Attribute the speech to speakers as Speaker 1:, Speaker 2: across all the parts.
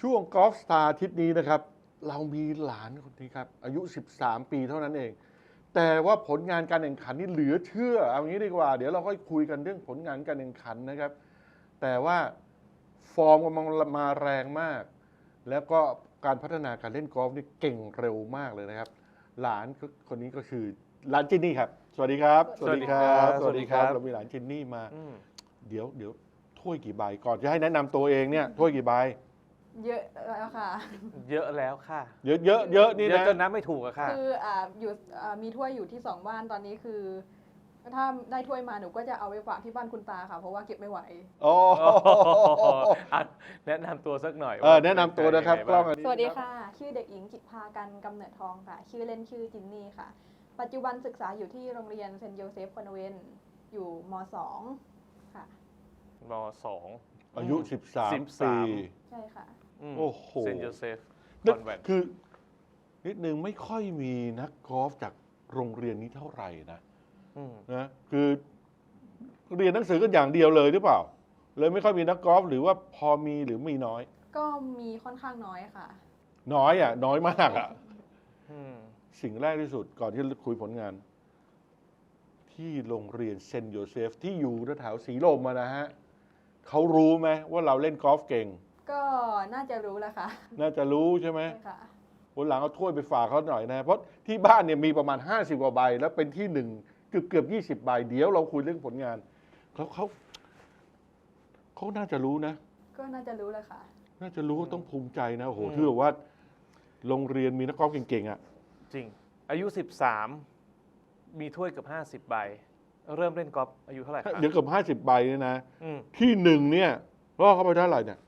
Speaker 1: ช่วงกอล์ฟสตาร์อาทิตย์นี้นะครับ เรามีหลานคนนี้ครับ อายุ 13 ปีเท่านั้นเอง แต่ว่าผลงานการแข่งขันนี่เหลือเชื่อ เอางี้ดีกว่า เดี๋ยวเราค่อยคุยกันเรื่องผลงานการแข่งขันนะครับ แต่ว่าฟอร์มกำลังมาแรงมาก แล้วก็การพัฒนาการเล่นกอล์ฟนี่เก่งเร็วมากเลยนะครับ หลานคนนี้ก็คือหลานจินนี่ครับ สวัสดีครับ
Speaker 2: สวัสดีครับ
Speaker 1: สวัสดีครับ เรามีหลานจินนี่มา เดี๋ยวถ้วยกี่ใบก่อนจะให้แนะนำตัวเองเนี่ยถ้วยกี่ใบ
Speaker 3: เยอะแล้วค่ะ
Speaker 2: เยอะแล้วค่ะ
Speaker 1: เยอะนี่
Speaker 2: เยอะ
Speaker 1: นะ
Speaker 2: จนนับไม่ถูกอะค่ะ
Speaker 3: คืออยู่มีถ้วยอยู่ที่2บ้านตอนนี้คือ ถ้าได้ถ้วยมาหนูก็จะเอาไปฝากที่บ้านคุณตาค่ะ เพราะว่าเก็บไม่ไหว
Speaker 1: โอ้
Speaker 2: อ่ะแนะนำตัวสักหน่อย
Speaker 1: แนะนำตัวนะครับกล้องอันนี้
Speaker 3: สวัสดีค่ะ ชื่อเด็กหญิงจิตภากันกำเนิดทองค่ะ ชื่อเล่นชื่อจินนี่ค่ะ ปัจจุบันศึกษาอยู่ที่โรงเรียนเซนต์โยเซฟคอนเวนต์อยู่ม.2 ค่ะ
Speaker 2: มสอง
Speaker 1: อายุ 13 ปี
Speaker 3: ใช่ค่ะ
Speaker 1: โอ้โห
Speaker 2: เซนต์โยเซฟค
Speaker 1: นึก
Speaker 2: อนแวนต์
Speaker 1: คือนิดนึงไม่ค่อยมีนักกอล์ฟจากโรงเรียนนี้เท่าไหร่นะคือเรียนหนังสือกันอย่างเดียวเลยหรือเปล่า เลยไม่ค่อยมีนักกอล์ฟหรือว่าพอมีหรือมีน้อย
Speaker 3: ก็มีค่อนข้างน้อยค่ะ
Speaker 1: น้อยน้อยมาก
Speaker 2: อืม
Speaker 1: สิ่งแรกที่สุดก่อนที่จะคุยผลงาน ที่โรงเรียนเซนต์โยเซฟที่อยู่แถวสีลมนะฮะเขารู้ไหมว่าเราเล่นกอล์ฟเก่ง
Speaker 3: ก็น่าจะรู้แล้วค่ะ
Speaker 1: น่าจะรู้ใช่ไหม
Speaker 3: ใช่ค่ะ
Speaker 1: วันหลังเอาถ้วยไปฝากเขาหน่อยนะ เพราะที่บ้านเนี่ยมีประมาณ50 กว่าใบ แล้วเป็นที่หนึ่งเกือบ20 ใบ เดี๋ยวเราคุยเรื่องผลงานเขาน่าจะรู้นะ
Speaker 3: ก็น่าจะรู้แล้วค่ะ
Speaker 1: น่าจะรู้ต้องภูมิใจนะโอ้โหที่แบบว่าโรงเรียนมีนักกอล์ฟเก่งๆอ่ะ
Speaker 2: จริง อายุ 13 มีถ้วยเกือบ50 ใบ เริ่มเล่นกอล์ฟอายุเท่าไหร่คะ
Speaker 1: เดี๋ยวเกือบ50 ใบเนี่ยนะ
Speaker 2: อืม
Speaker 1: ที่หนึ่งเนี่ยล่อเข้าไปเท่าไหร่เนี่ย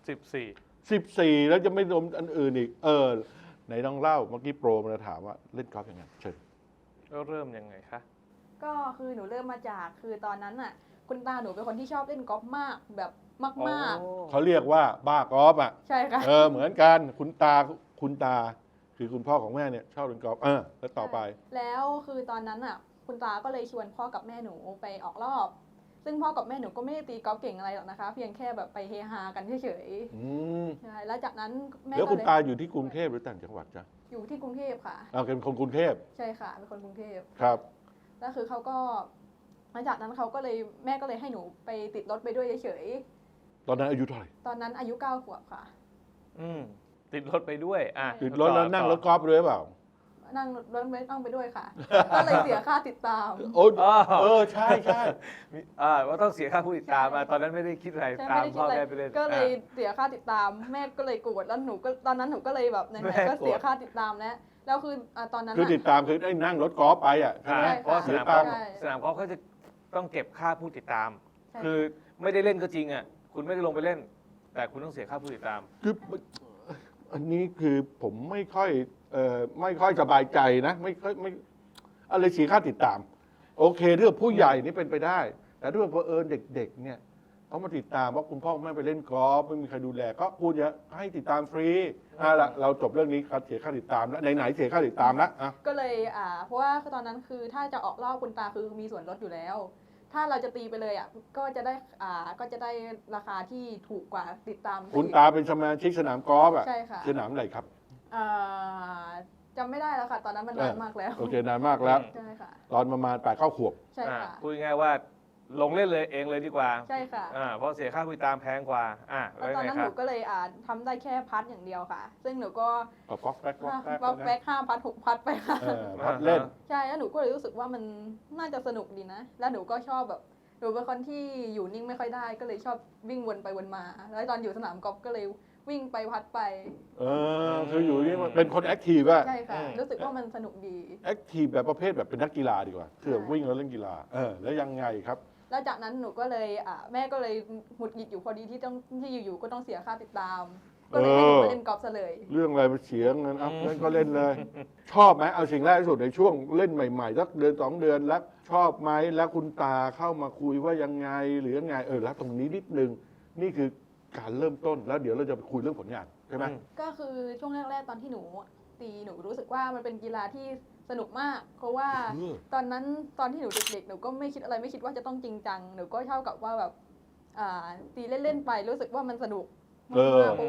Speaker 2: 14
Speaker 1: 14 แล้วจะไม่รวมอันอื่นอีกไหนต้องเล่าเมื่อกี้โปรมาถามว่าเล่นกอล์ฟยังไงเชิญ
Speaker 2: เริ่มยังไงคะ
Speaker 3: ก็คือหนูเริ่มมาจากคือตอนนั้นน่ะ คุณตาหนูเป็นคนที่ชอบเล่นกอล์ฟมากแบบมาก
Speaker 1: เขาเรียกว่าบ้ากอล์ฟอ่ะ
Speaker 3: ๆ ใช่ค่ะ
Speaker 1: เหมือนกันคุณตาคือคุณพ่อของแม่เนี่ยชอบเล่นกอล์ฟแล้วต่อไป
Speaker 3: แล้วคือตอนนั้นน่ะ คุณตาก็เลยชวนพ่อกับแม่หนูไปออกรอบ ซึ่งพ่อกับแม่หนูก็ไม่ได้ตีกอล์ฟเก่งอะไรหรอกนะคะ เพียงแค่แบบไปเฮฮากันเฉย
Speaker 1: อืม
Speaker 3: ๆใช่แล้วจากนั้นแม่
Speaker 1: แล้ว
Speaker 3: ก็
Speaker 1: คุณ
Speaker 3: เลย
Speaker 1: ตาอยู่ที่กรุงเทพหรือต่างจังหวัดจ๊ะ
Speaker 3: อยู่ที่กรุงเทพค่ะ
Speaker 1: เป็นคนกรุงเทพ
Speaker 3: ใช่ค่ะเป็นคนกรุงเทพ
Speaker 1: ครับ
Speaker 3: แล้วคือเขาก็หลังจากนั้นเขาก็เลยแม่ก็เลยให้หนูไปติดรถไปด้วยเฉย
Speaker 1: ตอนนั้นอายุเท่าไหร่
Speaker 3: ๆตอนนั้นอายุ9 ขวบค่ะ
Speaker 2: อืม ติดรถไปด้วย อ่ะ
Speaker 1: ติดรถแล้วนั่งรถกอล์ฟด้วยเปล่า
Speaker 3: นั่งรถไม่ต้องไปด้วยค่ะ ก็เลยเสียค่าติดตาม
Speaker 1: โอ้
Speaker 2: อ๋อ
Speaker 1: ใช่
Speaker 2: ว่าต้องเสียค่าผู้ติดตามมาตอนนั้นไม่ได้คิดอะไร
Speaker 3: ใช่
Speaker 2: ตาม
Speaker 3: ไม่ได้คิ
Speaker 2: พ่
Speaker 3: ด
Speaker 2: อ
Speaker 3: อะไร
Speaker 2: แม่ไปเล่น
Speaker 3: ก็เลย
Speaker 2: อ่ะ
Speaker 3: เสียค่าติดตาม แม่ก็เลยโกรธแล้วหนูก็ตอนนั้นหนูก็เลยแบบไหน
Speaker 2: แม่
Speaker 3: ๆก็
Speaker 2: โกรธ
Speaker 3: เสียค่าติดตามแล้วคือตอนนั้น
Speaker 1: คือติดตามคือได้นั่งรถกอล์ฟไปใช่ไหม
Speaker 3: ใช่
Speaker 2: เพราะ
Speaker 1: เสีย
Speaker 2: ส
Speaker 1: ตังค์
Speaker 2: นามกอล์ฟเขาจะต้องเก็บค่าผู้ติดตาม
Speaker 3: ใช่
Speaker 2: คือไม่ได้เล่นก็จริงอ่ะ คุณไม่ได้ลงไปเล่น แต่คุณต้องเสียค่าผู้ติดตาม
Speaker 1: คืออันนี้คือผมไม่ค่อยสบายใจนะไม่อะไรเสียค่าติดตาม โอเคเรื่องผู้ใหญ่นี่เป็นไปได้ แต่ถ้าเผอิญเด็กๆเนี่ยเขามาติดตามว่าคุณพ่อคุณแม่ไปเล่นกอล์ฟไม่มีใครดูแลก็ควรจะให้ติดตามฟรีละเราจบเรื่องนี้ครับเสียค่าติดตามแล้วไหนๆเสียค่าติดตามแล้ว
Speaker 3: ก็เลยเพราะว่าตอนนั้นคือถ้าจะออกรอบคุณตาคือมีส่วนลดอยู่แล้ว ถ้าเราจะตีไปเลยก็จะได้ราคาที่ถูกกว่าติดตาม
Speaker 1: คุณตาเป็นสมาชิกสนามกอล์ฟอ่ะ
Speaker 3: ใช่ค่ะ
Speaker 1: สนามอะไรครับ
Speaker 3: อ่าจำไม่ได้แล้วค่ะ ตอนนั้นมันนานมากแล้ว
Speaker 1: โอเคนานมากแล้ว
Speaker 3: ใช่ค่ะ
Speaker 1: ตอนประมาณ8-9 ขวบ
Speaker 3: ใช่ค่ะ
Speaker 2: พูดง่ายๆว่าลงเล่นเลยเองเลยดีกว่า
Speaker 3: ใช่ค่ะ
Speaker 2: เพราะเสียค่าผู้ติดตามแพงกว่า
Speaker 3: แล้ว
Speaker 2: แล้ว
Speaker 3: ตอน
Speaker 2: ไง
Speaker 3: นั้น
Speaker 2: ค
Speaker 3: ห
Speaker 2: รั
Speaker 3: นู
Speaker 2: บ
Speaker 3: ก็เลยทำได้แค่พัดอย่างเดียวค่ะ ซึ่งหนูก็
Speaker 1: ก๊อกแป๊ก
Speaker 3: แบ็ค5 พัด 6 พัดไปค่ะ
Speaker 1: พัดเล่น
Speaker 3: ใช่แล้วหนูก็เลยรู้สึกว่ามันน่าจะสนุกดีนะ แล้วหนูก็ชอบแบบหนูเป็นคนที่อยู่นิ่งไม่ค่อยได้ ก็เลยชอบวิ่งวนไปวนมา แล้วตอนอยู่สนามกอล์ฟก็เลยวิ่งไปพัดไป
Speaker 1: คืออยู่นี่เป็นคนแอคทีฟอะ
Speaker 3: ใช่ค่ะ รู้สึกว่ามันสนุกดี
Speaker 1: แอคทีฟแบบประเภทแบบเป็นนักกีฬาดีกว่าคือแบบวิ่งแล้วเล่นกีฬาแล้วยังไงครับ
Speaker 3: แล้วจากนั้นหนูก็เลยแม่ก็เลยหงุดหงิดอยู่พอดีที่อยู่ๆก็ต้องเสียค่าติดตาม ก็เลยให้หนูมาเล่นกอล์ฟซะเลย
Speaker 1: เรื่องอะไรมาเสียเงินงั้นก็เล่นเลย ชอบไหมเอาสิ่งแรกที่สุดในช่วงเล่นใหม่ๆสักเดือน2 เดือนแล้วชอบไหมแล้วคุณตาเข้ามาคุยว่ายังไงหรือยังไงแล้วตรงนี้นิดนึงนี่คือการเริ่มต้นแล้วเดี๋ยวเราจะไปคุยเรื่องผลงานใช่ไหม
Speaker 3: ก็คือช่วงแรกๆตอนที่หนูตีหนูรู้สึกว่ามันเป็นกีฬาที่สนุกมาก เพราะว่าตอนนั้นตอนที่หนูเด็กๆหนูก็ไม่คิดอะไรไม่คิดว่าจะต้องจริงจังหนูก็เท่ากับว่าแบบตีเล่นๆไปรู้สึกว่ามันสนุกมากเพราะว่า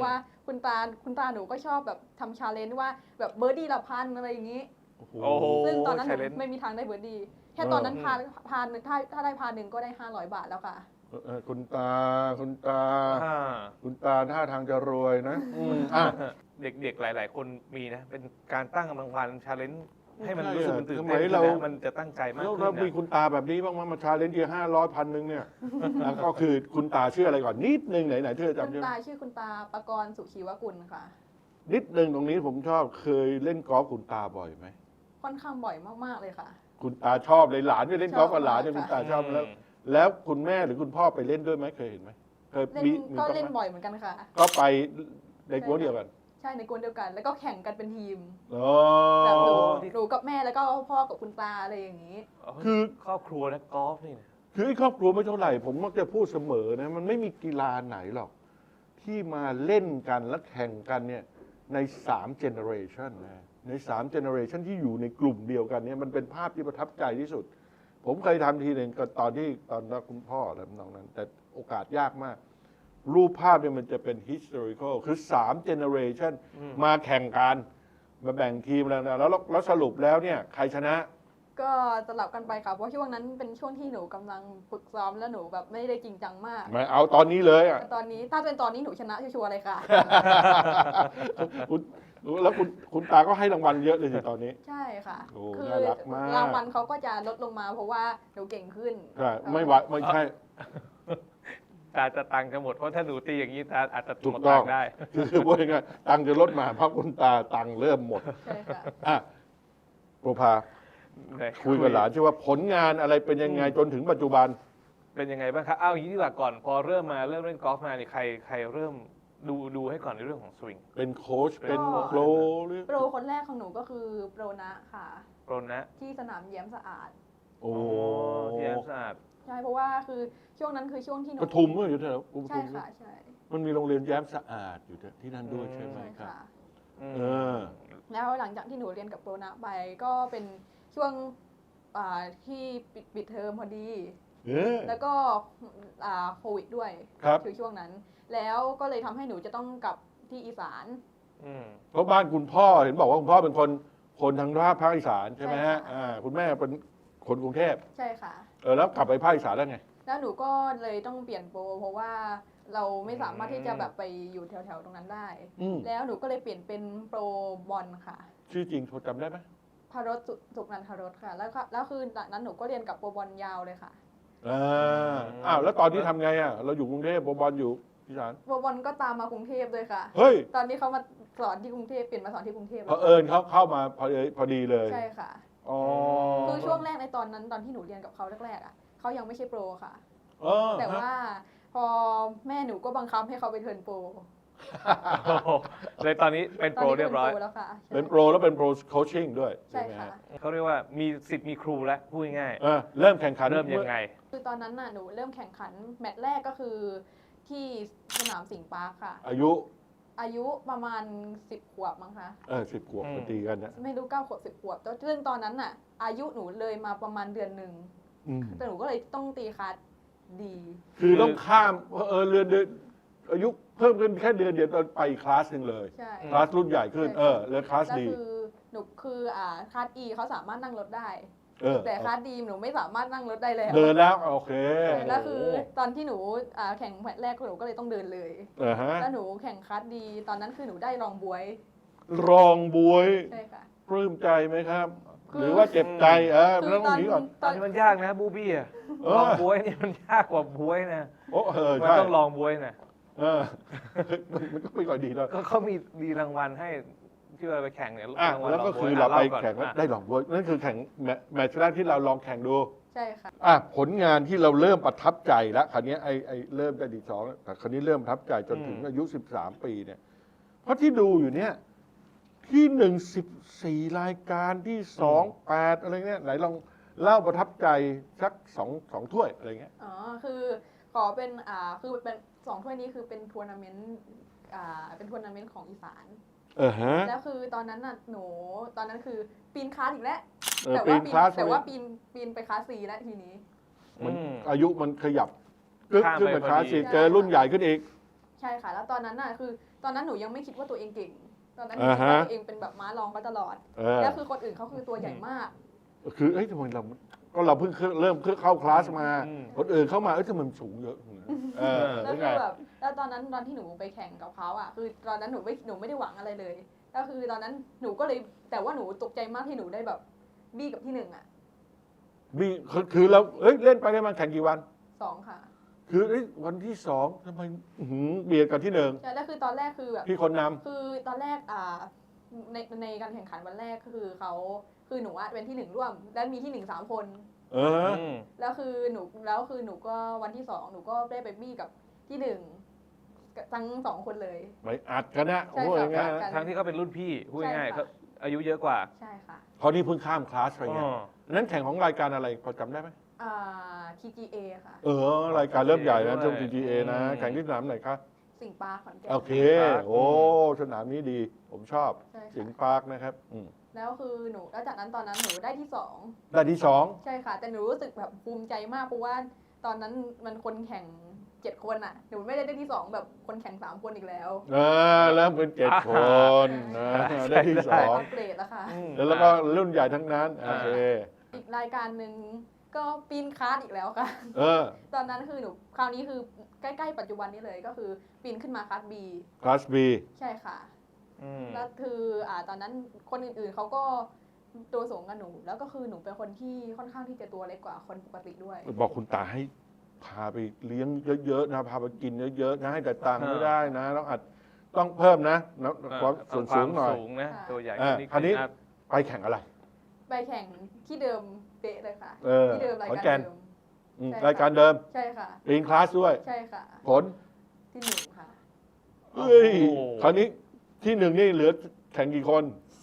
Speaker 3: คุณตาหนูก็ชอบแบบทำชาเลนจ์ว่าแบบเบอร์ดี้ละพันอะไรอย่างนี้
Speaker 1: โอ้โห
Speaker 2: โอ้โห
Speaker 3: ซึ่งตอนนั้นหนู
Speaker 2: challenge
Speaker 3: ไม่มีทางได้เบอร์ดี้แค่ตอนนั้นพาหนึ่งถ้าได้พาหนึ่งก็ได้500 บาทแล้วค่ะ
Speaker 1: คุณตา คุณตา
Speaker 2: อ่า
Speaker 1: คุณตาท่าทางจะรวยนะอ่ะ
Speaker 2: เด็กๆ หลาย ๆ คนมีนะ เป็นการตั้งกำลังวันชาเลนจ์ให้มัน
Speaker 1: ใช่
Speaker 2: รู้สึกมันตื่น
Speaker 1: สมั
Speaker 2: เต้น
Speaker 1: ย
Speaker 2: ขึ้น
Speaker 1: เรา
Speaker 2: นะมันจะตั้งใจมาก
Speaker 1: แล้ว
Speaker 2: ขึ้น
Speaker 1: เรามี
Speaker 2: นะ
Speaker 1: คุณตาแบบนี้บ้างไหมมาชาเลนจ์ที500 1,000เนี่ย แล้วก็คือคุณตาชื่ออะไรก่อนนิดนึงไหนเธอ
Speaker 3: คุณ
Speaker 1: จำได้ไหม
Speaker 3: ตาชื่อคุณตาปกรณ์สุชีวกุลค่ะ
Speaker 1: นิดนึงตรงนี้ผมชอบเคยเล่นกอล์ฟคุณตาบ่อยไหม
Speaker 3: ค่อนข้างบ่อยมากๆเลยค่ะ
Speaker 1: คุณตาชอบเลยหลานไปเล่นกอล์ฟกับหลานเนี่ย
Speaker 3: ชอบ
Speaker 1: คุ
Speaker 3: มาก
Speaker 1: ณตาชอบแล้วคุณแม่หรือคุณพ่อไปเล่นด้วยไหมเคยเห็นไหมเคย
Speaker 3: เล่น
Speaker 1: มี
Speaker 3: ก็
Speaker 1: บ้างไหม
Speaker 3: เล่นบ่อยเหมือนกันค่ะ
Speaker 1: ก็ไปในกวนเดียวกัน
Speaker 3: ใช่ในกวนเดียวกัน แล้วก็แข่งกันเป็นทีม
Speaker 1: อ๋อ
Speaker 3: แบบหนูกับแม่แล้วก็พ่อกับคุณตาอะไรอย่างนี้
Speaker 1: คือ
Speaker 2: ครอบครัวนะกอล์ฟนี่นะ
Speaker 1: คือไอ้ครอบครัวไม่เท่าไหร่ ผมมักจะพูดเสมอนะมันไม่มีกีฬาไหนหรอก ที่มาเล่นกันและแข่งกันเนี่ยใน3 generation นะใน3 generation ที่อยู่ในกลุ่มเดียวกันเนี่ยมันเป็นภาพที่ประทับใจที่สุด ผมเคยทำทีหนึ่งก็ตอนนั้นคุณพ่ออะไรทำนองนั้น แต่โอกาสยากมาก รูปภาพเนี่ยมันจะเป็น historical คือ3 generation มาแข่งกันมาแบ่งทีมแล้วสรุปแล้วเนี่ยใครชนะ
Speaker 3: ก็สลับกันไปค่ะ เพราะช่วงนั้นเป็นช่วงที่หนูกำลังฝึกซ้อมแล้วหนูแบบไม่ได้จริงจังมาก
Speaker 1: มาเอาตอนนี้เลยอ่ะ
Speaker 3: แต่ตอนนี้ถ้าเป็นตอนนี้หนูชนะชัวร์ๆเลยค่ะ
Speaker 1: คุณแล้วคุณตาก็ให้รางวัลเยอะเลยสิตอนนี้
Speaker 3: ใช่ค่ะ
Speaker 1: โอ้
Speaker 3: คื
Speaker 1: น่ารักมาก
Speaker 3: รางวัลเขาก็จะลดลงมาเพราะว่าหนูเก่งขึ้น
Speaker 1: ใช่ไม่ใช่
Speaker 2: ตาจะตังค์จะหมดเพราะถ้าหนูตีอย่างนี้ตาอาจจะ
Speaker 1: ถู
Speaker 2: หม
Speaker 1: ก
Speaker 2: ด
Speaker 1: ต้
Speaker 2: ตั
Speaker 1: อง
Speaker 2: งค์ได้
Speaker 1: คือว่ายังไงตังค์จะลดมาเพราะคุณตาตังค์เริ่มหมด
Speaker 3: ใช่ค่ะ
Speaker 1: อ่ะโปรภาคุยกับหลานใช่ว่าผลงานอะไรเป็นยังไงจนถึงปัจจุบัน
Speaker 2: เป็นยังไงบ้างครับเอาอย่างนี้ดีกว่าก่อน พอเริ่มเล่นกอล์ฟมาเนี่ยใครเริ่มดูให้ก่อนในเรื่องของสวิง
Speaker 1: เป็นโค้ชเป็นโปรหรือ
Speaker 3: โปรคนแรกของหนูก็คือโปรนะค่ะ
Speaker 2: โปรนะ
Speaker 3: ที่สนามแย้มสะอาด
Speaker 1: โอ้
Speaker 2: ที่แอมสะอาด
Speaker 3: ใช่เพราะว่าคือช่วงนั้นคือช่วงที่หนู
Speaker 1: ปทุมเมื่ออยู่แถวป
Speaker 3: ใช่
Speaker 1: ทุม
Speaker 3: ค่ะใช่
Speaker 1: มันมีโรงเรียนแย้มสะอาดอยู่ที่นั่นด้วยใช่ไหม
Speaker 3: ใช่
Speaker 1: ครับ
Speaker 3: ค่ะ
Speaker 1: เออ
Speaker 3: แล้วหลังจากที่หนูเรียนกับโปรนะไปก็เป็นช่วงที่ปิดเทอมพอดี
Speaker 1: เออ
Speaker 3: แล้วก็โควิดด้วย
Speaker 1: ครับ
Speaker 3: คือช่วงนั้น แล้วก็เลยทำให้หนูจะต้องกลับที่อีสาน
Speaker 1: เพราะบ้านคุณพ่อเห็นบอกว่าคุณพ่อเป็นคนทางภาคอีสานใช่ไหมฮะ
Speaker 3: ใช่ค่ะ
Speaker 1: คุณแม่เป็นคนกรุงเทพ
Speaker 3: ใช่ค่ะ
Speaker 1: แล้วกลับไปภาคอีสานแล้วไง
Speaker 3: แล้วหนูก็เลยต้องเปลี่ยนโปรเพราะว่าเราไม่สามารถที่จะแบบไปอยู่แถวๆตรงนั้นได้
Speaker 1: อืม
Speaker 3: แล้วหนูก็เลยเปลี่ยนเป็นโปรบอลค่ะ
Speaker 1: ชื่อจริงโทรจำได้ไหม
Speaker 3: พารสสุกนันทารสค่ะ แล้วคือจากนั้นหนูก็เรียนกับโปรบอลยาวเลยค่ะ
Speaker 1: อ้าวแล้วตอนนี้ทำไงอ่ะเราอยู่กรุงเทพบอลอยู่อีสาน
Speaker 3: โปรบอลก็ตามมากรุงเทพเลยค่ะ
Speaker 1: เฮ้ย
Speaker 3: ตอนนี้เขามาสอนที่กรุงเทพเปลี่ยนมาสอนที่กรุงเทพ
Speaker 1: เผ
Speaker 3: แล้ว
Speaker 1: อิญเขาเข้ามาพอดีเลย
Speaker 3: ใช่ค่ะ
Speaker 1: อ๋อ
Speaker 3: คือช่วงแรกในตอนนั้นตอนที่หนูเรียนกับเขาแรกๆอ่ะเขายังไม่ใช่โปรค่ะ
Speaker 1: เออ
Speaker 3: แต่ว่าพอแม่หนูก็บังคับให้เขาไปเทิร์นโปร
Speaker 2: เลยตอนนี้เป็น
Speaker 3: ตอ
Speaker 2: โป
Speaker 3: น
Speaker 2: ร
Speaker 3: นี้
Speaker 2: เรียบร้อย
Speaker 3: เป็นโปรแล้วค่ะ
Speaker 1: เป็นโปรแล้วเป็นโปรโคชชิ่งด้วย
Speaker 3: ใช่
Speaker 1: ไหม
Speaker 3: ค่ะ
Speaker 1: ฮะ
Speaker 2: เขาเรียกว่ามีสิทธิ์มีครูแล้วพูดง่าย
Speaker 1: เริ่มแข่งขัน
Speaker 2: ๆเริ่มยังไง
Speaker 3: คือตอนนั้นน่ะหนูเริ่มแข่งขันแมตช์แรกก็คือที่สนามสิงห์ปาร์คค่ะ
Speaker 1: อายุ
Speaker 3: อายุประมาณ10 ขวบมั้งคะ
Speaker 1: 10 ขวบพอดีกันนะ
Speaker 3: ไม่รู้9 ขวบ10 ขวบซึ่งตอนนั้นน่ะ อายุหนูเลยมาประมาณเดือนหนึ่ง
Speaker 1: อืม
Speaker 3: แต่หนูก็เลยต้องตีคลาสดี
Speaker 1: คือต้องข้ามเดือนอายุเพิ่มขึ้นแค่เดือนเดียวตอนไปอีกคลาสหนึ่งเลย
Speaker 3: ใช่
Speaker 1: คลาสรุ่นใหญ่ขึ้นแล้วคลาส
Speaker 3: แล้ว
Speaker 1: ดี
Speaker 3: คือหนูคือคลาส E เขาสามารถนั่งรถได้ แต่คลาส D หนูไม่สามารถนั่งรถได้แล้ว
Speaker 1: เดินแล้วโอเค
Speaker 3: แล้วคือตอนที่หนูแข่งแมตช์แรกหนูก็เลยต้องเดินเลย
Speaker 1: ฮะ
Speaker 3: แล้วหนูแข่งคลาส D ตอนนั้นคือหนูได้รองบวย
Speaker 1: รองบวย
Speaker 3: ใช่ค่ะ
Speaker 1: ปลื้มใจไหมครับ
Speaker 3: คือ
Speaker 1: หรือว่าเจ็บใจ
Speaker 3: คือ
Speaker 1: มันต้องหนีก่อน
Speaker 2: ตอนนี้มันยากนะบูบี้อะ
Speaker 1: เอ
Speaker 2: ล
Speaker 1: อ
Speaker 2: องบวยนี่มันยากกว่าบวยนะ
Speaker 1: โอ้
Speaker 2: มัน
Speaker 1: ใช่
Speaker 2: ต้องลองบวยนะ
Speaker 1: มันก็ไม่ค่อยดีแล้ว
Speaker 2: ก็เขามีรางวัลให้ที่เราไปแข่งเนี่ยรางวัล
Speaker 1: แล้วก็
Speaker 2: ลง
Speaker 1: คื
Speaker 2: บ๊
Speaker 1: อ
Speaker 2: วย
Speaker 1: เราไป
Speaker 2: ล่ก่อน
Speaker 1: แข่งแล้ว
Speaker 2: อ่ะ
Speaker 1: ได้รองบวยนั่นคือแข่งแมตช์แรกที่เราลองแข่งดู
Speaker 3: ใช่ค่ะ
Speaker 1: ผลงานที่เราเริ่มประทับใจแล้วคราวนี้ไอ้เริ่มได้ดี2แต่คราวนี้เริ่มประทับใจจนถึงอายุ13 ปีเนี่ย เพราะที่ดูอยู่เนี่ยที่1 14 รายการที่2 8อะไรเงี้ยไหนลองเล่าประทับใจสัก2 ถ้วยอะไรเงี้ย
Speaker 3: อ๋อ คือขอเป็นคือเป็น2 ถ้วยนี้คือเป็นทัวร์นาเมนต์เป็นทัวร์นาเมนต์ของอีสาน
Speaker 1: ฮะ
Speaker 3: แล้วคือตอนนั้นน่ะหนูตอนนั้นคือปีนคลาสอีกแล้ว
Speaker 1: ปีนคลาส
Speaker 3: แต่ว่าปีนไปคลาส C แล้วทีนี้
Speaker 1: มัน
Speaker 2: อืม
Speaker 1: อายุมันขยับกึ๊ก
Speaker 2: ข้าม
Speaker 1: ขึ้น
Speaker 2: ไป
Speaker 1: มาคลาส
Speaker 2: พอดี
Speaker 1: สี่เจอรุ่นใหญ่ขึ้นอีก
Speaker 3: ใช่ค่ะ แล้วตอนนั้นน่ะคือตอนนั้นหนูยังไม่คิดว่าตัวเองเก่ง ตอนนั้นหนู
Speaker 1: อ่า
Speaker 3: คิด
Speaker 1: ฮะ
Speaker 3: ว่าตัวเองเป็นแบบม้ารองมาตลอด แล้วคือคนอื่นเขาคือตัวใหญ่มาก
Speaker 1: คือเอ้ยทำไมเราก็เราเพิ่งเริ่มเข้าคลาสมา
Speaker 2: อืม
Speaker 1: คนอื่นเข้ามาเอ้ยทำไมมันสูงเยอะเออ
Speaker 3: แล้ว
Speaker 1: เป็น
Speaker 3: คื
Speaker 1: ไง
Speaker 3: อแบบแล้วตอนนั้นตอนที่หนูไปแข่งกับเขาอ่ะคือตอนนั้นหนูไม่ได้หวังอะไรเลยก็คือตอนนั้นหนูก็เลยแต่ว่าหนูตกใจมากที่หนูได้แบบบี้กับที่หนึ่งอ่ะ
Speaker 1: มีคือเราเอ้ยเล่นไปได้มาแข่งกี่วัน
Speaker 3: 2 ค่ะ
Speaker 1: คือเอ้ยวันที่สองทำไมเบียดกันที่หนึ่ง
Speaker 3: ใช่แล้วคือตอนแรกคือแบบ
Speaker 1: พี่คนน
Speaker 3: คือตอนแรกในการแข่งขันวันแรกคือเขาคือหนูอะเป็นที่ 1 ร่วม แล้วมีที่ 1 3 คน
Speaker 1: ำเออ
Speaker 3: แล้วคือหนูก็วันที่ 2หนูก็ได้ไปบี้กับที่ 1ทั้ง2 คนเลย
Speaker 1: ไปอัดกันนะ
Speaker 3: ใช่
Speaker 1: โอ้ย
Speaker 3: ค่ะ
Speaker 1: ง่าย
Speaker 3: กัน
Speaker 2: ทั้งที่เขาเป็นรุ่นพี่พูดง่ายๆ
Speaker 3: ใช่ค่ะ
Speaker 2: เขาอายุเยอะกว่า
Speaker 3: ใช่ค่ะ
Speaker 1: เพราะนี่เพิ่งข้ามคลาสไปไง
Speaker 2: อ๋อ
Speaker 1: นั้นแข่งของรายการอะไรพอจำได้ไหม
Speaker 3: TGA ค่ะ
Speaker 1: รายการเริ่มใหญ่นะ
Speaker 2: ด้วย
Speaker 1: ช่วง TGA นะ
Speaker 2: อืม
Speaker 1: แข่งที่สนามไหนคะ
Speaker 3: สิงห์ปาร์คขอนแก่น
Speaker 1: โอเค โอ้สนามนี้ดี ผมชอบ
Speaker 3: ใช่
Speaker 1: สิง
Speaker 3: ค่ะ
Speaker 1: ห์ปาร์คนะครับ
Speaker 3: แล้วคือหนูแล้วจากนั้นตอนนั้นหนูได้ที่
Speaker 1: ได้ที่สอง
Speaker 3: 2ใช่ค่ะ แต่หนูรู้สึกแบบภูมิใจมากเพราะว่าตอนนั้นมันคนแข่ง7 คนอ่ะหนูไม่ได้ที่ 2แบบคนแข่ง3 คนอีกแล้ว
Speaker 1: เริ่มเป็น7 คนได้ที่ส
Speaker 3: ได้
Speaker 1: อง
Speaker 3: อัปเกรดแล้วค่ะ
Speaker 2: อืม
Speaker 1: แล้วก็รุ่นใหญ่ทั้งนั้นโอเค
Speaker 3: อีกรายการหนึ่งก็ปีนคาร์ดอีกแล้วค่ะ
Speaker 1: เออ
Speaker 3: ตอนนั้นคือหนูคราวนี้คือใกล้ๆปัจจุบันนี้เลยก็คือปีนขึ้นมาคาร์ดบี
Speaker 1: คลาส B
Speaker 3: ใช่ค่ะ
Speaker 2: อืม
Speaker 3: แล้วคือตอนนั้นคนอื่นๆเขาก็ตัวสูงกับหนู แล้วก็คือหนูเป็นคนที่ค่อนข้างที่จะตัวเล็กกว่าคนปกติด้วย
Speaker 1: บอกคุณตาให้พาไปเลี้ยงเยอะๆนะ พาไปกินเยอะๆนะ ให้แต่ตังค์ไม่ได้นะต้องเพิ่มนะความส่วนสูงหน่อย
Speaker 2: สูงนะ
Speaker 3: ค่ะ
Speaker 2: ตัวใหญ่
Speaker 1: คราวนี้
Speaker 2: อัพ
Speaker 1: ไปแข่งอะไร
Speaker 3: ไปแข่งที่เดิมเป๊ะเลยค่ะ
Speaker 1: เออ
Speaker 3: ที่เดิมราย
Speaker 1: ขอน
Speaker 3: การ
Speaker 1: แก่น
Speaker 3: เดิม
Speaker 1: อืม
Speaker 3: ใช่
Speaker 1: รายการเดิม
Speaker 3: ใช่ค่ะ
Speaker 1: ปีนคลาสด้วย
Speaker 3: ใช่ค่ะ
Speaker 1: ผล
Speaker 3: ที่ 1 ค่ะ
Speaker 1: เฮ้ย
Speaker 2: โอ้โห
Speaker 1: คราวนี้ที่หนึ่งนี่เหลือแข่งกี่คน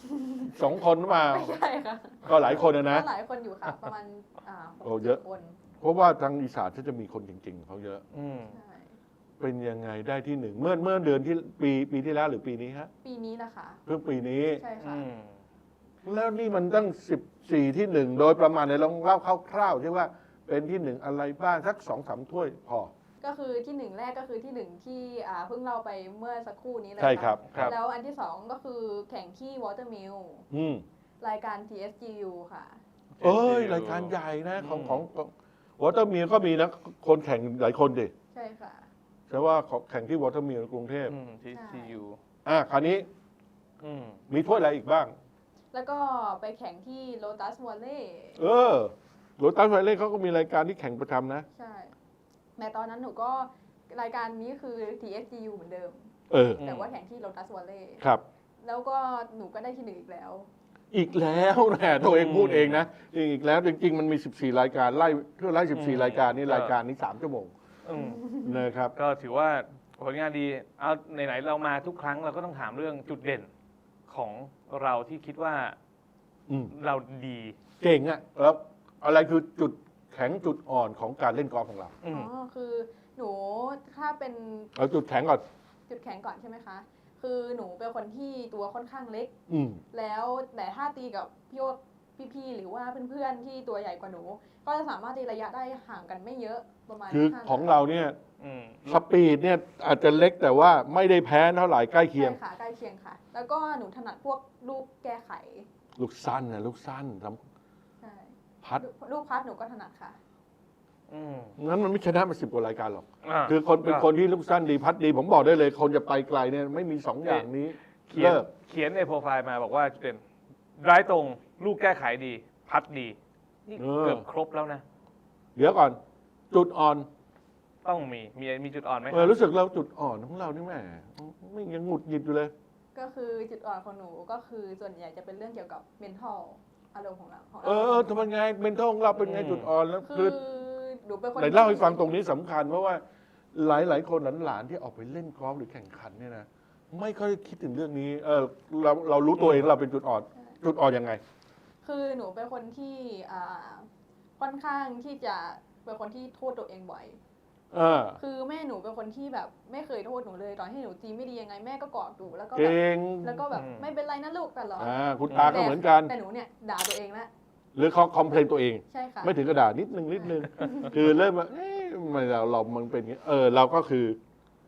Speaker 1: 2 คนหรือเปล่า
Speaker 3: ไม่ใช่ค่ะ
Speaker 1: ก็หลายคนนะ
Speaker 3: ก็หลายคนอยู่ค่ะ ประมาณ
Speaker 1: โอ้
Speaker 3: หก
Speaker 1: เยอะ
Speaker 3: คน
Speaker 1: เพราะว่าทางอีสานเขาจะมีคนเก่งๆเขาเยอะ
Speaker 2: อืม
Speaker 3: ใช่
Speaker 1: เป็นยังไงได้ที่หนึ่งเมื่อเดือนที่ปีที่แล้วหรือปีนี้ฮะ
Speaker 3: ปีนี้นะคะ
Speaker 1: เพิ่งปีนี้
Speaker 3: ใช่ค่ะ
Speaker 2: อืม
Speaker 1: แล้วนี่มันตั้ง14ที่หนึ่งโดยประมาณในลองเล่าคร่าวๆใช่ว่าเป็นที่หนึ่งอะไรบ้างสัก2-3 ถ้วยพอ
Speaker 3: ก็คือที่ 1 แรกก็คือที่ 1 ที่เพิ่งเล่าไปเมื่อสักครู่นี้เลย
Speaker 1: ใช่ครับ
Speaker 3: ะแล้วอันที่ 2 ก็คือแข่งที่ Watermill
Speaker 1: อืม
Speaker 3: รายการ TSGU ค่ะ
Speaker 1: เอ้ยรายการใหญ่นะของวอเตอร์มิลก็มีนะคนแข่งหลายคนดิ
Speaker 3: ใช่ค่ะ
Speaker 1: แต่ว่าแข่งที่วอเตอร์มิลกรุงเทพ
Speaker 2: อืมที่ TU
Speaker 1: คราวนี้
Speaker 2: อืม
Speaker 1: มีถ้วยอะไรอีกบ้าง
Speaker 3: แล้วก็ไปแข่งที่ Lotus Valley
Speaker 1: โรตัสไวเล่เขาก็มีรายการที่แข่งประจำนะ
Speaker 3: ใช่แต่ตอนนั้นหนูก็รายการนี้คือ TSGU เหมือนเดิม
Speaker 2: อืม
Speaker 3: แต่ว่าแข่งที่ Lotus Valley
Speaker 1: ครับ
Speaker 3: แล้วก็หนูก็ได้ที่ 1 อีกแล้ว
Speaker 1: อีกแล้วนะตัวเองพูดเองนะอีกแล้วจริงๆมันมี14รายการไล่เพื่อไล่14รายการนี่รายการนี้3 ชั่วโมง
Speaker 2: อืม
Speaker 1: นะครับ
Speaker 2: ก็ถือว่าผลงานดี เอาไหนๆเรามาทุกครั้งเราก็ต้องถามเรื่องจุดเด่นของเราที่คิดว่า
Speaker 1: อืม
Speaker 2: เราดี
Speaker 1: เก่งอะแล้วอะไรคือจุดแข็งจุดอ่อนของการเล่นกอล์ฟของเรา
Speaker 2: อืม
Speaker 3: คือหนูถ้าเป็น
Speaker 1: เอาจุดแข็งก่อน
Speaker 3: จุดแข็งก่อนใช่ไหมคะ คือหนูเป็นคนที่ตัวค่อนข้างเล็ก
Speaker 1: อืม
Speaker 3: แล้วแต่ถ้าตีกับพี่ๆหรือว่าเพื่อนๆที่ตัวใหญ่กว่าหนู ก็จะสามารถตีระยะได้ห่างกันไม่เยอะประมาณ
Speaker 1: คือ
Speaker 3: 5
Speaker 1: ของเราเนี่ย
Speaker 2: อืม
Speaker 1: สปีดเนี่ยอาจจะเล็กแต่ว่าไม่ได้แพ้เท่าไหร่ใกล้เคียง
Speaker 3: ใช่ค่ะใกล้เคียงค่ะ แล้วก็หนูถนัดพวกลูกแก้ไข
Speaker 1: ลูกสั้นนะลูกสั้นท
Speaker 3: ใช่
Speaker 1: ำพัด
Speaker 3: ลูกพัดหนูก็ถนัดค่ะ
Speaker 2: อืม
Speaker 1: งั้นมันไม่ชนะมา10 กว่ารายการหรอก
Speaker 2: า
Speaker 1: คือคนเป็นคนที่ลูกสั้นดีพัดดี ผมบอกได้เลย คนจะไปไกลเนี่ยไม่มี2 อย่างนี้
Speaker 2: เขียน
Speaker 1: เลิก
Speaker 2: เขียนในโปรไฟล์มาบอกว่าจุดเด่นร้ายตรงลูกแก้ไขดี พัดดี นี่เกือบครบแล้วนะ
Speaker 1: เดี๋ยวก่อน จุดอ่อน
Speaker 2: ต้องมีจุดอ่อนไหม
Speaker 1: รู้สึกเราจุดอ่อนของเรานี่แหมไม่ยังหงุดหงิดอยู่เลย
Speaker 3: ก็คือจุดอ่อนของหนูก็คือส่วนใหญ่จะเป็นเรื่องเกี่ยวกับ mental อารมณ์ของเรา
Speaker 1: ทำไมไงเมนทของเราเป็นไงจุดอ่อนแล้ว
Speaker 3: คื
Speaker 1: คือ
Speaker 3: อหนูเป็นคน
Speaker 1: ไหนเล่าให้ฟังตรงนี้สำคัญเพราะว่าหลายๆคนหลานๆที่ออกไปเล่นกอล์ฟหรือแข่งขันเนี่ยนะไม่ค่อยคิดถึงเรื่องนี้เรารู้ตัวเองเราเป็นจุดอ่อน จุดอ่อนยังไง
Speaker 3: คือหนูเป็นคนที่ค่อนข้างที่จะเป็นคนที่โทษตัวเองบ่อย คือแม่หนูเป็นคนที่แบบไม่เคยโทษหนูเลยตอนที่หนูตีไม่ดียังไงแม่ก็กอดหนูแล้วก็แบ
Speaker 1: เก่
Speaker 3: บ
Speaker 1: ง
Speaker 3: แล้วก็แบบไม่เป็นไรนะลูกตลอด
Speaker 1: คุณตาก็เหมือนกัน
Speaker 3: แต่หนูเนี่ยด่าตัวเองละ
Speaker 1: หรือเขาคอมเพลนตัวเอง
Speaker 3: ใช่ค่ะ
Speaker 1: ไม่ถึงกระดาษนิดนึง คือเริ่มว่ามันเป็นอย่างนี้เราก็คือ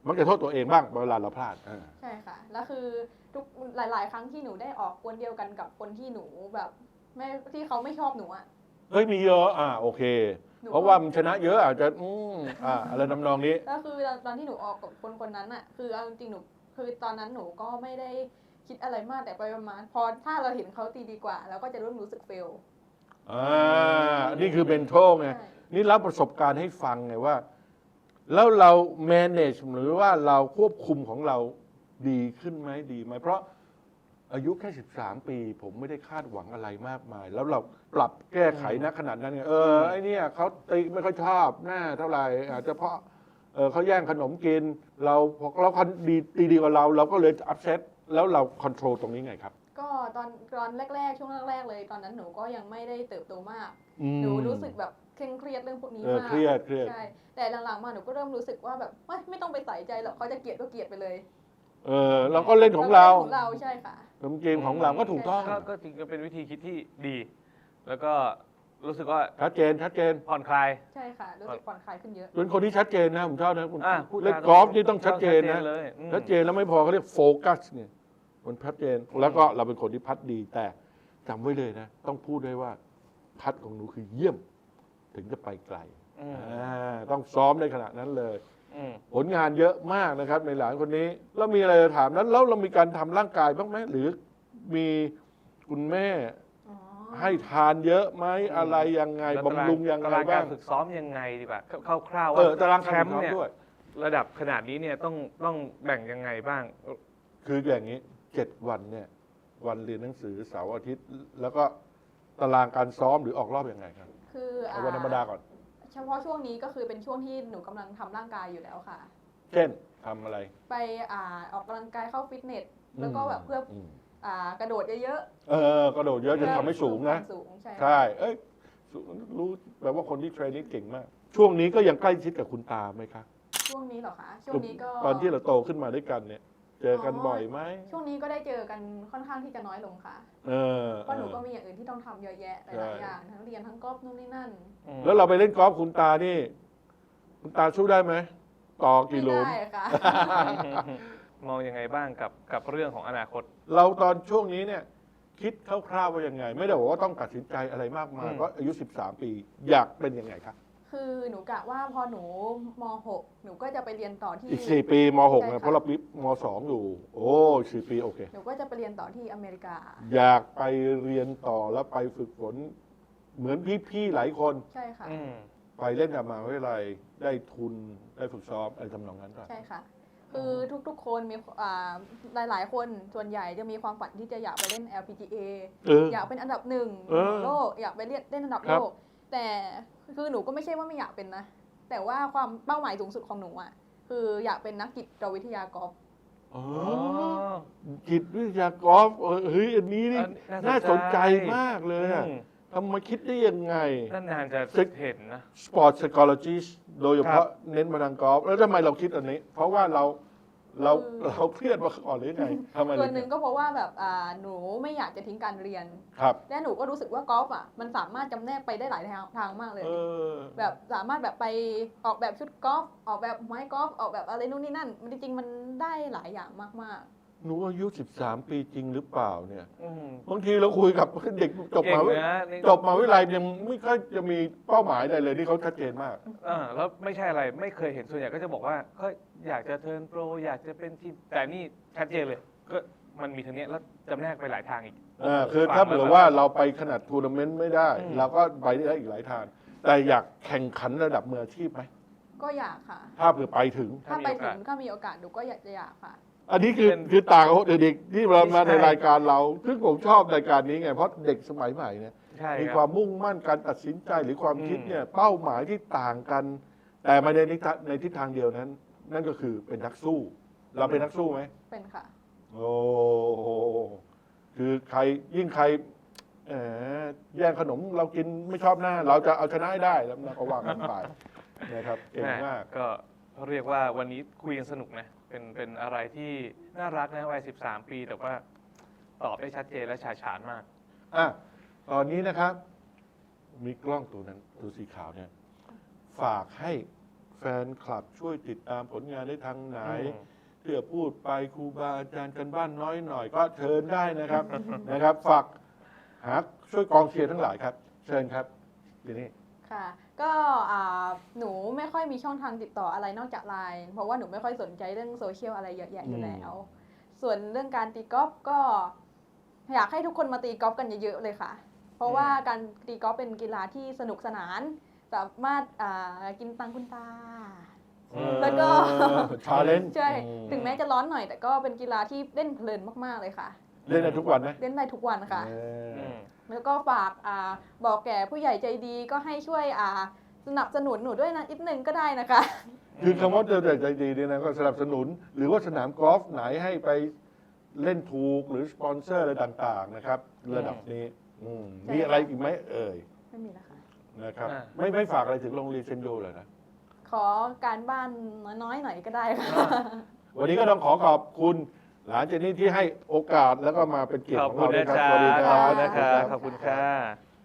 Speaker 1: มักจะโทษตัวเองบ้างเวลาเราพลาด
Speaker 3: ใช่ค่ะ แล้วคือทุกหลาย ๆ ครั้งที่หนูได้ออกกวนเดียวกันกับคนที่หนูแบบไม่ที่เขาไม่ชอบหนูอ่ะ
Speaker 1: เฮ้ยมีเยอะโอเค
Speaker 3: หนู
Speaker 1: เพราะว่ามันชนะเยอะอาจจะอะไรทำนองนี้
Speaker 3: แล้วคือตอนที่หนูออกกับคนนั้นอ่ะ คือเอาจริงๆหนูคือตอนนั้นหนูก็ไม่ได้คิดอะไรมากแต่ไปประมาณพอถ้าเราเห็นเขาตีดีกว่าเราก็จะเริ่มรู้สึกเฟล
Speaker 1: นี่คือเป็นโชคไง
Speaker 3: ใช่
Speaker 1: นี่รับประสบการณ์ให้ฟังไงว่า แล้วเรา manage หรือว่าเราควบคุมของเราดีขึ้นไหมดีไหมเพราะอายุแค่13 ปี ผมไม่ได้คาดหวังอะไรมากมาย แล้วเราปรับแก้ไขณขนาดนั้นไงไอ้เนี่ยเขาตีไม่ค่อยชอบหน้าเท่าไหร่อาจจะเพราะเขาแย่งขนมกิน เราเขาดีกว่าเราก็เลยอัพเซตแล้วเราคอนโทรลตรงนี้ไงครับ
Speaker 3: ก็ตอนแรกๆช่วงแรกๆเลยตอนนั้นหนูก็ยังไม่ได้เติบโตมาก หนูรู้สึกแบบเคร่งเครียดเรื่องพวกนี้มาก
Speaker 1: เครียด
Speaker 3: ใช่แต่หลังๆมาหนูก็เริ่มรู้สึกว่าแบบไม่ต้องไปใส่ใจหรอกเขาจะเกลียดก็เกลียดไปเลย
Speaker 1: เราก็เล่นของเรา
Speaker 3: ของเราใช่ค่ะ
Speaker 1: เกมของเราก็ถูกต้อง
Speaker 2: ก็จริงก็เป็นวิธีคิดที่ดี แล้วก็รู้สึกว่า
Speaker 1: ชัดเจน
Speaker 2: ผ่อนคลาย
Speaker 3: ใช่ค่ะรู้สึกผ่อนคลายขึ้นเยอะ
Speaker 1: เป็นคนที่ชัดเจนนะผมชอบนะคุณ
Speaker 2: พูดจา
Speaker 1: เล่นกอล์ฟนี่ต้องชัดเจนนะ
Speaker 2: เลย
Speaker 1: ชัดเจนแล้วไม่พอเขาเรียกโฟกัสเนี่ยมันชัดเจนแล้วก็เราเป็นคนที่พัดดีแต่จำไว้เลยนะ ต้องพูดด้วยว่าพัดของหนูคือเยี่ยม ถึงจะไปไกลต้องซ้อมในขนาดนั้นเลยผลงานเยอะมากนะครับในหลานคนนี้แล้วมีอะไรจะถามนั้นแล้วเรามีการทำร่างกายบ้างไหมหรือมีคุณแม่ ให้ทานเยอะไหมอะไรยังไงบำรุงยังไง
Speaker 2: ตาราง
Speaker 1: บ้า
Speaker 2: การ
Speaker 1: ง
Speaker 2: ฝึกซ้อมยังไงดีกว่าคร่าวๆว่า
Speaker 1: ตาราง
Speaker 2: แค
Speaker 1: การ
Speaker 2: ม
Speaker 1: ฝึก
Speaker 2: ป์
Speaker 1: ซ้อม
Speaker 2: เนี่ย
Speaker 1: ด้วย
Speaker 2: ระดับขนาดนี้เนี่ยต้องแบ่งยังไงบ้าง
Speaker 1: คืออย่างนี้7 วันเนี่ยวันเรียนหนังสือเสาร์อาทิตย์ แล้วก็ตารางการซ้อมหรือออกรอบยังไงครับ
Speaker 3: คือ
Speaker 1: เอาวันธรรมดาก่อน
Speaker 3: เฉพาะช่วงนี้ก็คือเป็นช่วงที่หนูกำลังทำร่างกายอยู่แล้วค่ะ
Speaker 1: เช่นทำอะไร
Speaker 3: ไปออกกำลังกายเข้าฟิตเนสแล้วก็แบบเพื่อกระโดดเยอะ
Speaker 1: กระโดดเยอะจะทำให้สูงนะ
Speaker 3: สูงใช่
Speaker 1: ใช่รู้แปลว่าคนที่เทรนนิ่งเก่งมาก ช่วงนี้ก็ยังใกล้ชิดกับคุณตาไหมคะ
Speaker 3: ช่วงนี้เหรอคะช่วงนี้ก็
Speaker 1: ตอนที่เราโตขึ้นมาด้วยกันเนี่ย เจอกันบ่อยไหม
Speaker 3: ช่วงนี้ก็ได้เจอกันค่อนข้างที่จะน้อยลงค่ะเพราะหนูก็มีอย่างอื่นที่ต้องทำเยอะแยะหลายๆอย่างทั้งเรียนทั้งกอล์ฟนู่นนี่นั่น
Speaker 1: แล้วเราไปเล่นกอล์ฟคุณตานี่ คุณตาสู้ได้ไหมต่อ
Speaker 3: ไม่
Speaker 1: กี่หลุม
Speaker 3: ได้ค่ะ
Speaker 2: มองยังไงบ้างกับเรื่องของอนาคต
Speaker 1: เราตอนช่วงนี้เนี่ย คิดคร่าวๆว่ายังไง ไม่ได้บอกว่าต้องตัดสินใจอะไรมากมายเพราะอายุ13 ปีอยากเป็นยังไงครับ
Speaker 3: คือหนูกะว่าพอหนูม .6 หนูก็จะไปเรียนต่อที่
Speaker 1: อีก4 ปีม .6
Speaker 3: ใช่
Speaker 1: นะ
Speaker 3: ค่ะ
Speaker 1: เพราะเราปีม .2 อยู่ โอ้4 ปีโอเค
Speaker 3: หนูก็จะไปเรียนต่อที่อเมริกา
Speaker 1: อยากไปเรียนต่อแล้วไปฝึกฝน เหมือนพี่ๆหลายคน
Speaker 3: ใช่ค่ะ
Speaker 1: ไปเล่นกับมหาวิทยาลัยได้ทุนได้ฝึกซ้อมอะไรทำนองนั้นด้วย
Speaker 3: ใช่ค่ะ คือทุกๆคนมีหลายๆคนส่วนใหญ่จะมีความฝันที่จะอยากไปเล่น LPGA อยากเป็นอันดับหนึ่งของโลกอยากไปเล่นอันดับโลกแต่คือหนูก็ไม่ใช่ว่าไม่อยากเป็นนะ แต่ว่าความเป้าหมายสูงสุดของหนูอ่ะคืออยากเป็นนักจิตวิทยากอล์ฟ
Speaker 1: จิตวิทยากอล์ฟเฮ้ยอันนี้นี่น่าสนใจมากเลยอะทำมาคิดได้ยังไง
Speaker 2: นานๆจะเห็นนะ
Speaker 1: Sport Psychologist โดยเฉพาะเน้นมาทางกอล์ฟแล้วทำไมเราคิดอันนี้ เพราะว่าเราเครียดมาก่อนหรือไงทำไม
Speaker 3: ส่วนหนึ่งก็เพราะว่าแบบหนูไม่อยากจะทิ้งการเรียน
Speaker 1: ครับ
Speaker 3: และหนูก็รู้สึกว่ากอล์ฟอ่ะมันสามารถจำแนกไปได้หลายทางมากเลย แบบสามารถแบบไปออกแบบชุดกอล์ฟออกแบบไม้กอล์ฟออกแบบอะไรนู่นนี่นั่นมันจริงๆมันได้หลายอย่างมาก
Speaker 1: หนูอายุ 13 ปีจริงหรือเปล่าเนี่ยบางทีเราคุยกับเด็กจบมาวิทยาลัยยังไม่ค่อยจะมีเป้าหมายอะไรเลยนี่เขาชัดเจนมาก
Speaker 2: แล้วไม่ใช่อะไรไม่เคยเห็นส่วนใหญ่ก็จะบอกว่าก็อยากจะเทิร์นโปรอยากจะเป็นทีมแต่นี่ชัดเจนเลยก็มันมีทางเนี้ยแล้วจำแนกไปหลายทางอีก
Speaker 1: คือถ้าเผื่อว่าเราไปขนาดทัวร์นาเมนต์ไม่ได้ เราก็ไปได้อีกหลายทาง แต่อยากแข่งขันระดับมืออาชีพไหม
Speaker 3: ๆ ก็อยากค่ะ
Speaker 1: ถ้าเผื่อไปถึง
Speaker 3: ถ้าไปถึงถ้ามีโอกาสหนูก็อยากค่ะ
Speaker 1: อันนี้คือต่างกับเด็กๆที่เรามาในรายการเราซึ่งผมชอบรายการนี้ไงเพราะเด็กสมัยใหม่เนี่ย มีความมุ่งมั่นการตัดสินใจหรือความคิดเนี่ยเป้าหมายที่ต่างกัน แต่มาในทิศทางเดียวนั้น นั่นก็คือเป็นนักสู้ เราเป็นนักสู้ไหม
Speaker 3: เป็นค่ะ
Speaker 1: โอ้โหคือใครยิ่งใครแย่งขนมเรากินไม่ชอบหน้า เราจะเอาชนะให้ได้แล้วก็ว่ากันไปนะครับเก่งมาก
Speaker 2: ก็เรียกว่าวันนี้คุยกันสนุกนะเป็นอะไรที่น่ารักนะวัย13 ปีแต่ว่าตอบได้ชัดเจนและฉาฉานมาก
Speaker 1: ตอนนี้นะครับ มีกล้องตัวนั้นตัวสีขาวเนี่ยฝากให้แฟนคลับช่วยติดตามผลงานได้ทางไหน
Speaker 2: อืม
Speaker 1: เพื่อพูดไปครูบาอาจารย์กันบ้านน้อยหน่อย ก็เชิญได้นะครับ นะครับฝากหาช่วยกองเชียร์ทั้งหลายครับ เชิญครับทีนี้
Speaker 3: ค่ะ ก็หนูไม่ค่อยมีช่องทางติดต่ออะไรนอกจากไลน์เพราะว่าหนูไม่ค่อยสนใจเรื่องโซเชียลอะไรเยอะแยะอยู่แล้ว ส่วนเรื่องการตีกอล์ฟก็อยากให้ทุกคนมาตีกอล์ฟกันเยอะๆเลยค่ะ เพราะว่าการตีกอล์ฟเป็นกีฬาที่สนุกสนาน สามารถกินตังคุณตา แล้วก็
Speaker 1: ชาเลนจ์
Speaker 3: ใช่ ถึงแม้จะร้อนหน่อย แต่ก็เป็นกีฬาที่เล่นเพลินมากๆเลยค่ะ
Speaker 1: เล่นได้ทุกวันไหม
Speaker 3: เล่นได้ทุกวันค่ะ
Speaker 1: เออ
Speaker 2: อืม
Speaker 3: แล้วก็ฝากบอกแก่ผู้ใหญ่ใจดีก็ให้ช่วยสนับสนุนหนูด้วยนะนิดนึงก็ได้นะคะ
Speaker 1: คือคำว่าเจอแต่ใจดีเนี่ยนะก็สนับสนุน หรือว่าสนามกอล์ฟไหนให้ไปเล่นถูกหรือสปอนเซอร์อะไรต่างๆนะครับ ระดับนี้
Speaker 3: ใช่
Speaker 1: มีอะไรอีกไหมเอ่ย
Speaker 3: ไม่มีแล้วค่ะ
Speaker 1: นะครับ
Speaker 2: อ่า
Speaker 1: ไม่ฝากอะไรถึงโรงเรียนเซนโยเลยนะ
Speaker 3: ขอการบ้านน้อยๆหน่อยก็ได้ค่ะ
Speaker 1: วันนี้ก็ต้องขอขอบคุณหลานเจนนี่ที่ให้โอกาสแล้วก็มาเป็นเกียรติ
Speaker 2: ขอบ
Speaker 1: ของ
Speaker 2: คุ
Speaker 1: เรา
Speaker 2: ณ
Speaker 1: ด้วย
Speaker 2: นะ
Speaker 1: ครับ
Speaker 2: จ๊ะ
Speaker 1: สวัสดีค
Speaker 2: ข
Speaker 1: รั
Speaker 2: อบบ คุณนะคะขอบคุณค่ะ